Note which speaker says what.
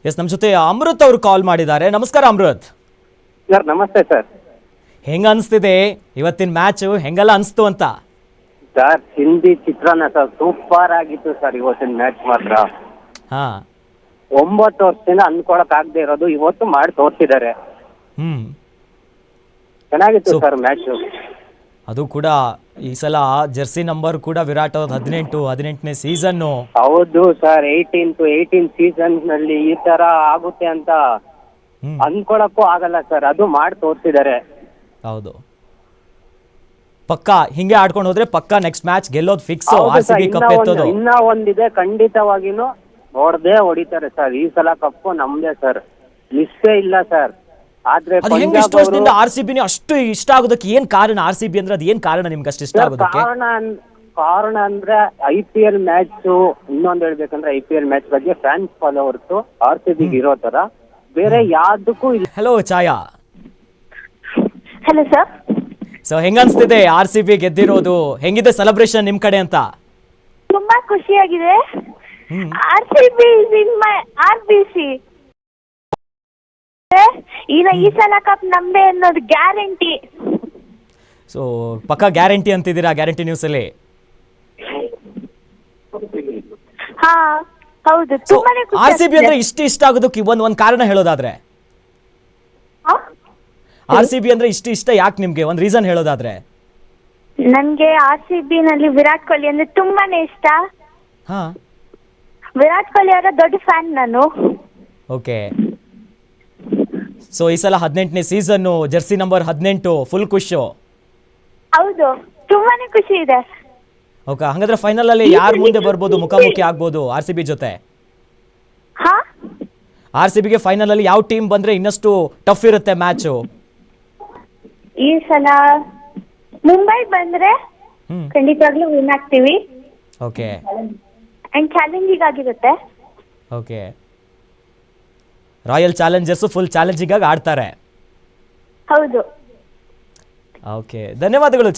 Speaker 1: S, ನಮ್ಮ ಜೊತೆ ಅಮೃತ್ ಅವರು ಕಾಲ್ ಮಾಡಿದ್ದಾರೆ. ನಮಸ್ಕಾರ ಅಮೃತ್.
Speaker 2: ಸರ್ ನಮಸ್ತೆ ಸರ್.
Speaker 1: ಹೆಂಗ ಅನಿಸ್ತಿದೆ ಇವತ್ತಿನ ಮ್ಯಾಚ್? ಹೆಂಗೆಲ್ಲ ಅನಿಸ್ತು ಅಂತ?
Speaker 2: ಸರ್ ಹಿಂದಿ ಚಿತ್ರಾನ್ನ ಸರ್ ಸೂಪರ್ ಆಗಿತ್ತು ಸರ್ ಇವತ್ತಿನ ಮ್ಯಾಚ್ ಮಾತ್ರ.
Speaker 1: ಹಾ
Speaker 2: 9 ವರ್ಷದಿಂದ ಅನ್ಕೊಳಕ್ ಆಗದೆ ಇರೋದು ಇವತ್ತು ಮಾಡಿ ತೋರಿಸಿದ್ದಾರೆ. ಚೆನ್ನಾಗಿತ್ತು ಸರ್ ಮ್ಯಾಚ್.
Speaker 1: ಅದು ಕೂಡ ಈ ಸಲ ಜೆರ್ಸಿ ನಂಬರ್ ಕೂಡ ವಿರಾಟ್ ಅವ್ರದ್ದು 18ನೇ ಸೀಸನ್ನು.
Speaker 2: ಹೌದು ಸರ್, 18 ಸೀಸನ್ ನಲ್ಲಿ ಈ ತರ ಆಗುತ್ತೆ ಅಂತ ಅನ್ಕೊಳಕ್ಕೂ ಆಗಲ್ಲ ಸರ್. ಅದು ಮಾಡಿ ತೋರಿಸಿದ್ದಾರೆ.
Speaker 1: ಹೌದು, ಪಕ್ಕ ಹಿಂಗೆ ಆಡ್ಕೊಂಡು ಹೋದ್ರೆ ಪಕ್ಕ ನೆಕ್ಸ್ಟ್ ಮ್ಯಾಚ್ ಗೆಲ್ಲೋದು ಫಿಕ್ಸ್. RCB ಕಪ್ ಎತ್ತೋದು
Speaker 2: ಇನ್ನ ಒಂದಿದೆ, ಖಂಡಿತವಾಗಿನೂ ನೋಡ್ದೇ ಹೊಡಿತಾರೆ ಸರ್. ಈ ಸಲ ಕಪ್ಪು ನಮ್ದೇ ಸರ್, ಮಿಸ್ಸೇ ಇಲ್ಲ ಸರ್. ಆದ್ರೆ
Speaker 1: ಅದು ಹೆಂಗ್ ಇಷ್ಟು ವರ್ಷದಿಂದ RCB ಅಷ್ಟು ಇಷ್ಟ ಆಗೋದಕ್ಕೆ ಏನ್ ಕಾರಣ? RCB ಅಂದ್ರೆ ಅದು ಏನ್ ಕಾರಣ ನಿಮ್ಗೆ ಅಷ್ಟು ಇಷ್ಟ ಆಗೋದಕ್ಕೆ?
Speaker 2: ಕಾರಣ ಅಂದ್ರೆ IPL ಮ್ಯಾಚ್. ಇನ್ನೊಂದು ಹೇಳ್ಬೇಕಂದ್ರೆ IPL ಮ್ಯಾಚ್ ಬಗ್ಗೆ ಫ್ಯಾನ್ಸ್ ಫಾಲೋವರ್ಸ್ RCB ಇರೋ ತರ ಬೇರೆ ಯಾವ್ದಕ್ಕೂ ಇಲ್ಲ.
Speaker 1: Hello Chhaya.
Speaker 3: Hello sir.
Speaker 1: So ಹೆಂಗ ಅನ್ಸ್ತಿದೆ RCB ಗೆದ್ದಿರೋದು? ಹೆಂಗಿದೆ ಸೆಲೆಬ್ರೇಷನ್ ನಿಮ್ ಕಡೆ ಅಂತ?
Speaker 3: ತುಂಬಾ ಖುಷಿಯಾಗಿದೆ. RCB ಇನ್ ಮೈ RBC. ಈ ಸಲ ಕಪ್ ನಮ್ದೇ ಅನ್ನೋದು ಗ್ಯಾರಂಟಿ.
Speaker 1: ಸೊ ಪಕ್ಕ ಗ್ಯಾರಂಟಿ ಅಂತಿದ್ದೀರಾ ಗ್ಯಾರಂಟಿ ನ್ಯೂಸ್ ಅಲ್ಲಿ?
Speaker 3: ಹಾ ಹೌದು, ತುಂಬಾನೇ ಖುಷಿ.
Speaker 1: RCB ಅಂದ್ರೆ ಇಷ್ಟ ಆಗೋದಕ್ಕೆ ಒಂದ್ ಕಾರಣ ಹೇಳೋದಾದ್ರೆ? RCB ಅಂದ್ರೆ ಇಷ್ಟ ಯಾಕೆ ನಿಮ್ಗೆ? ಒಂದ್ ರೀಸನ್ ಹೇಳೋದಾದ್ರೆ?
Speaker 3: ನನ್ಗೆ RCB ನಲ್ಲಿ ವಿರಾಟ್ ಕೊಹ್ಲಿ ಅಂದ್ರೆ ತುಂಬಾನೇ ಇಷ್ಟ.
Speaker 1: ಹಾ,
Speaker 3: ವಿರಾಟ್ ಕೊಹ್ಲಿ ಅವರ ದೊಡ್ಡ ಫ್ಯಾನ್ ನಾನು.
Speaker 1: ಓಕೆ. ಸೊ ಈ ಸಲ 18ನೇ ಸೀಸನ್, ಜೆರ್ಸಿ ನಂಬರ್ 18, ಫುಲ್ ಖುಷಿ.
Speaker 3: ಹೌದು, ತುಂಬಾನೇ ಖುಷಿ ಇದೆ.
Speaker 1: ಓಕೆ, ಹಂಗಾದ್ರೆ ಫೈನಲ್ ಅಲ್ಲಿ ಯಾರು ಮುಂದೆ ಬರ್ಬೋದು, ಮುಖಾಮುಖಿ ಆಗ್ಬೋದು RCB ಜೊತೆ?
Speaker 3: ಹಾ,
Speaker 1: RCB ಗೆ ಫೈನಲ್ ಅಲ್ಲಿ ಯಾವ ಟೀಮ್ ಬಂದ್ರೆ ಇನ್ನಷ್ಟು ಟಫ್ ಇರುತ್ತೆ ಮ್ಯಾಚ್?
Speaker 3: ಈ ಸಲ ಮುಂಬೈ ಬಂದ್ರೆ ಖಂಡಿತವಾಗ್ಲೂ ವಿನ್ ಆಗ್ತೀವಿ.
Speaker 1: ಓಕೆ
Speaker 3: ಅಂಡ್ ಚಾಲೆಂಜಿಂಗ್ ಆಗಿರುತ್ತೆ.
Speaker 1: Okay, royal challengers full challenging ಆಗಿ ಆಡ್ತಾರೆ.
Speaker 3: ಹೌದು.
Speaker 1: ಓಕೆ, ಧನ್ಯವಾದಗಳು.